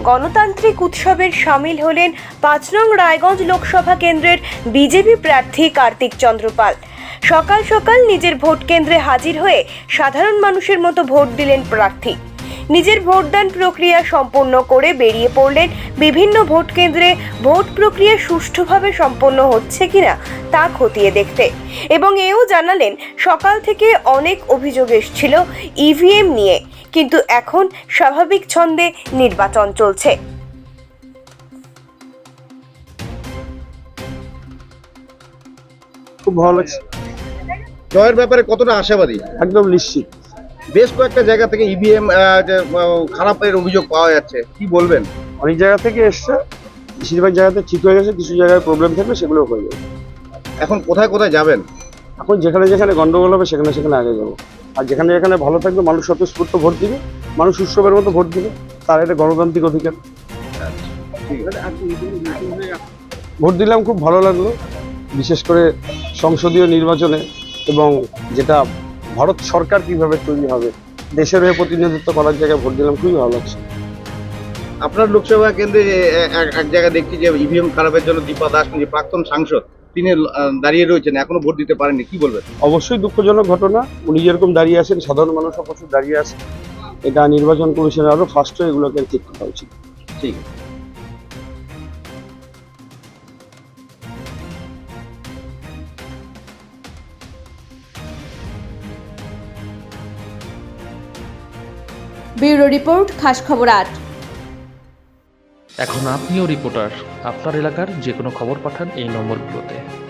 গণতান্ত্রিক উৎসবের সামিল হলেন ৫ নং রায়গঞ্জ লোকসভা কেন্দ্রের বিজেপি প্রার্থী কার্তিক চন্দ্র পাল। সকাল সকাল নিজের ভোট কেন্দ্রে হাজির হয়ে সাধারণ মানুষের মতো ভোট দিলেন প্রার্থী। নিজের ভোটদান প্রক্রিয়া সম্পন্ন করে বেরিয়ে পড়লেন বিভিন্ন ভোট কেন্দ্রে ভোট প্রক্রিয়া সুষ্ঠুভাবে সম্পন্ন হচ্ছে কিনা তা খতিয়ে দেখতে, এবং এও জানালেন সকাল থেকে অনেক অভিযোগ এসেছিল ইভিএম নিয়ে, কিন্তু এখন স্বাভাবিক ছন্দে নির্বাচন চলছে। খুব ভালো লাগছে। জয়ের ব্যাপারে কতটা আশাবাদী? একদম নিশ্চিত। বেশ কয়েকটা জায়গা থেকে ইভিএম খারাপের অভিযোগ পাওয়া যাচ্ছে, কি বলবেন? অনেক জায়গা থেকে এসছে, বেশিরভাগ জায়গাতে ঠিক হয়ে গেছে, কিছু জায়গায় প্রবলেম থাকবে সেগুলো হয়ে যাবে। এখন কোথায় কোথায় যাবেন? এখন যেখানে যেখানে গন্ডগোল হবে সেখানে সেখানে আগে যাবো, আর যেখানে যেখানে ভালো থাকবে মানুষ স্বতঃস্ফূর্ত ভোট দিবে, মানুষ উৎসবের মতো ভোট দিবে, তার এটা গণতান্ত্রিক অধিকার। ভোট দিলাম, খুব ভালো লাগলো, বিশেষ করে সংসদীয় নির্বাচনে, এবং যেটা ভারত সরকার কিভাবে তৈরি হবে, দেশের হয়ে প্রতিনিধিত্ব করার জায়গায় ভোট দিলাম, খুবই ভালো লাগছে। আপনার লোকসভা কেন্দ্রে এক জায়গায় দেখছি যে ইভিএম খারাপের জন্য দীপা দাস, প্রাক্তন সাংসদ, তিনি দাঁড়িয়ে রয়েছেন, এখনো ভোট দিতে পারেননি, কি বলবেন? অবশ্যই দুঃখজনক ঘটনা। উনি যেরকম দাঁড়িয়ে আছেন, সাধারণ মানুষও প্রচুর দাঁড়িয়ে আছে। এটা নির্বাচন কমিশনের আরো ফার্স্ট হয়ে এগুলোকে ঠিক করা উচিত। ঠিক আছে। ব্যুরো রিপোর্ট, খাস খবর ৮। এখন আপনিও রিপোর্টার। আপনার এলাকার যে কোনো খবর পাঠান এই নম্বরগুলোতে।